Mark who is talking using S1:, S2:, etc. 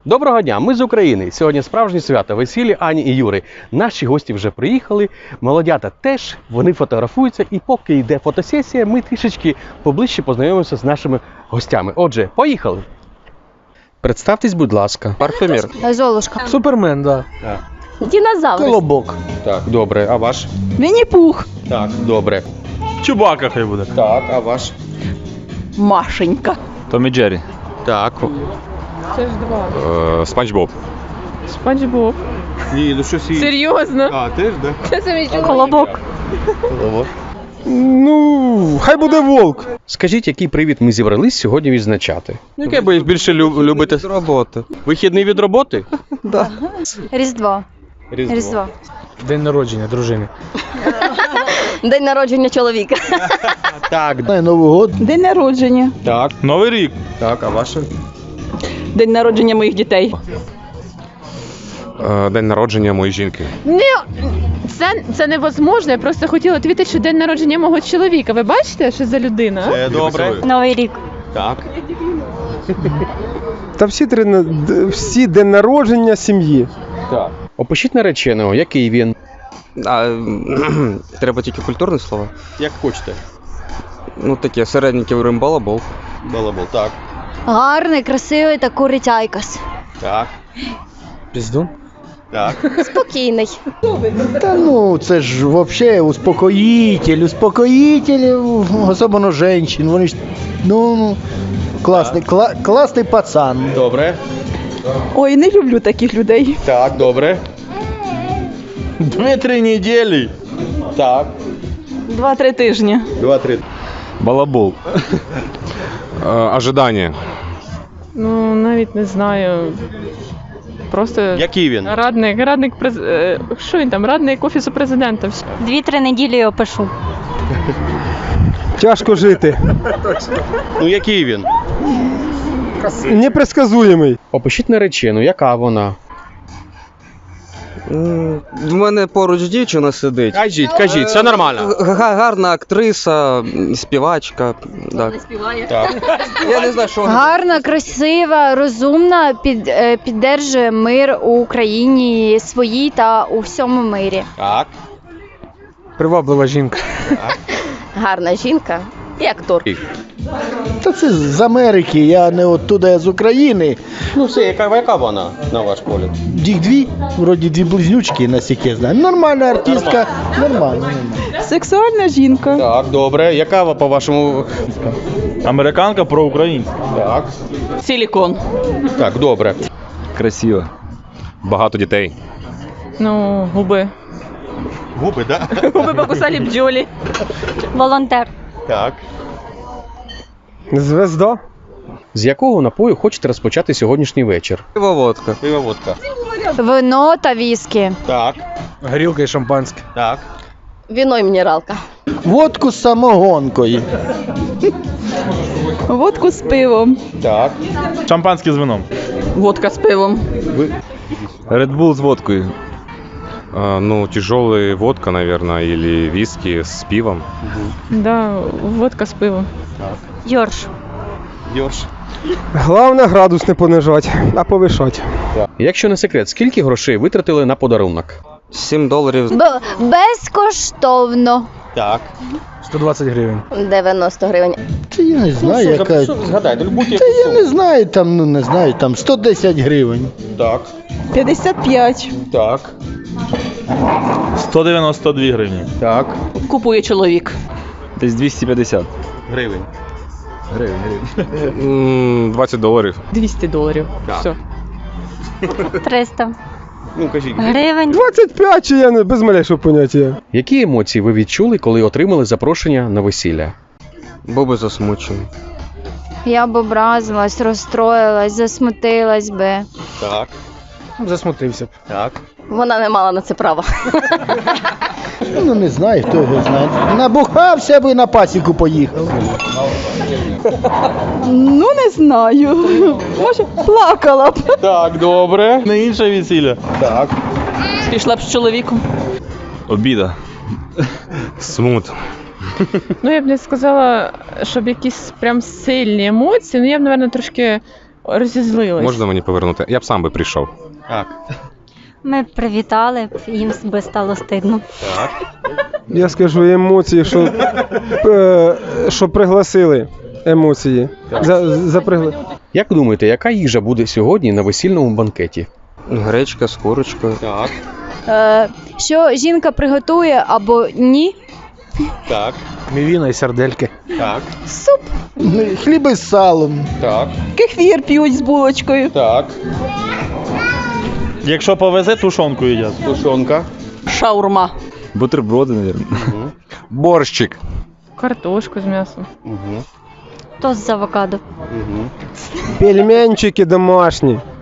S1: Доброго дня, ми з України. Сьогодні справжнє свято, весілля Ані і Юри. Наші гості вже приїхали, молодята теж, вони фотографуються. І поки йде фотосесія, ми трішечки поближче познайомимося з нашими гостями. Отже, поїхали. Представтесь, будь ласка.
S2: Парфюмер.
S3: Золушка.
S4: Супермен, да.
S3: Динозавр.
S4: Колобок.
S1: Так, добре. А ваш?
S3: Вінні-Пух.
S1: Так, добре.
S4: Чубака хай буде.
S1: Так, а ваш?
S3: Машенька.
S5: Том і Джері.
S1: Так.
S6: Це ж два.
S5: Спанч Боб.
S6: Спанч Боб.
S1: Ні, ну щось і...
S6: Серйозно?
S1: А, теж, да?
S6: Це самі чоловік.
S3: Колобок.
S4: Ну, хай буде волк.
S1: Скажіть, який привід ми зібрались сьогодні відзначати? Яке ви більше любите?
S2: З роботи.
S1: Вихідний від роботи?
S3: Різдво. Різдво.
S4: День народження дружини.
S3: День народження чоловіка.
S1: Так,
S4: Новий год.
S3: День народження.
S1: так,
S4: Новий рік.
S1: так, а ваше?
S3: День народження моїх дітей.
S5: День народження моєї жінки.
S6: Це невозможно. Я просто хотіла відповідати, що день народження мого чоловіка. Ви бачите, що за людина?
S1: Це добре.
S3: Новий рік.
S1: Так.
S4: Та всі день народження сім'ї.
S1: Так. Опишіть нареченого, який він.
S2: Треба тільки культурне слово.
S1: Як хочете.
S2: Ну таке, середненький балабол.
S1: Балабол, так.
S3: Гарний, красивий та курить айкос.
S1: Так.
S4: Піздун.
S1: Так.
S3: Спокійний.
S7: Та ну, це ж вообще успокоїтель, особливо женщин, вони ж, класний пацан.
S1: Добре.
S3: Ой, не люблю таких людей.
S1: Так, добре.
S4: 2-3 неділі.
S1: Так.
S3: 2-3 тижні.
S1: 2-3.
S5: Балабол. Ожидання.
S6: Ну, навіть не знаю. Просто
S1: Який він?
S6: радник що він там? Радник офісу президента.
S3: 2-3 неділі опишу.
S4: Тяжко жити.
S1: Ну, який він?
S4: Непредсказуємий.
S1: Опишіть наречену, яка вона?
S2: В мене поруч дівчина сидить.
S1: Кажіть, все нормально.
S2: Гарна актриса, співачка. Так.
S1: Так.
S2: Я не знаю, що вона.
S3: Гарна, красива, розумна, піддержує мир у Україні своїй та у всьому мирі.
S1: Так.
S4: Приваблива жінка.
S3: Гарна жінка і актор.
S7: Та це з Америки, я не оттуда, я з України.
S1: Ну, все, яка вона, на ваш погляд?
S7: Їх дві, вроді дві близнючки, наскільки я знаю. Нормальна артистка, нормально.
S3: Сексуальна жінка.
S1: Так, добре. Яка по-вашому?
S4: Американка про українську.
S1: Так.
S3: Силікон.
S1: Так, добре.
S5: Красиво. Багато дітей.
S6: Ну, губи.
S1: Губи, так?
S6: Губи покусали бджолі.
S3: Волонтер.
S1: Так.
S4: Звезда.
S1: З якого напою хочете розпочати сьогоднішній вечір?
S2: Водка.
S1: Пиво, водка.
S3: Вино та віскі.
S1: Так.
S4: Горілка і шампанське.
S1: Так.
S3: Віно і мінералка.
S7: Водку з самогонкою.
S3: Водку з пивом.
S1: Так.
S4: Шампанське з вином.
S3: Водка з пивом.
S5: Редбул з водкою. Ну, тяжелая водка, наверное, или виски с пивом.
S6: Да, водка з пивом.
S3: Йорш.
S1: Йорш.
S4: Головне градус не понижати, а повишати.
S1: Якщо не секрет, скільки грошей витратили на подарунок?
S2: $7.
S3: Безкоштовно.
S1: Так.
S4: 120 гривень.
S3: 90 гривень.
S7: Та я не знаю, яка.
S1: Згадайте, будь-яку
S7: Та я
S1: суму.
S7: не знаю, там, 110 гривень.
S1: Так.
S3: 55.
S1: Так.
S4: 192 гривні.
S1: Так.
S3: Купує чоловік.
S5: Десь 250.
S1: Гривень.
S5: $20.
S6: 200 доларів.
S1: Так.
S6: Все.
S3: 300
S1: Ну, кажіть.
S3: гривень.
S4: 25 чи я не без малейшого поняття.
S1: Які емоції ви відчули, коли отримали запрошення на весілля?
S2: Був би засмучений.
S3: Я б образилась, розстроїлась, засмутилась би.
S1: Так.
S4: Засмутився б.
S1: Так.
S3: Вона не мала на це права.
S7: Ну не знаю, хто його знає. Набухався би, на пасіку поїхав.
S3: Ну, не знаю. Може, плакала б.
S1: Так, добре.
S4: Не інше весілля.
S1: Так.
S3: Пішла б з чоловіком.
S5: Обіда. Смут.
S6: Ну, я б не сказала, щоб якісь прям сильні емоції. Ну, я б, мабуть, трошки розізлилась.
S5: Можна мені повернути? Я б сам би прийшов.
S1: Так.
S8: Ми б привітали, їм би стало стидно.
S1: Так.
S4: Я скажу емоції, що пригласили емоції.
S1: Як думаєте, яка їжа буде сьогодні на весільному банкеті?
S2: Гречка з курочкою.
S1: Так.
S3: Що жінка приготує або ні?
S1: Так.
S7: Мівіна і сардельки.
S1: Так.
S7: Хліб із салом.
S1: Так.
S6: Кефір п'ють з булочкою.
S1: Так.
S9: Якщо повезе, тушонку їдять.
S1: Тушонка.
S6: Шаурма.
S9: Бутерброди, мабуть.
S5: Борщик.
S6: Картошку з м'ясом.
S1: Угу.
S8: Тост з авокадо.
S1: Угу.
S4: Пельменчики домашні.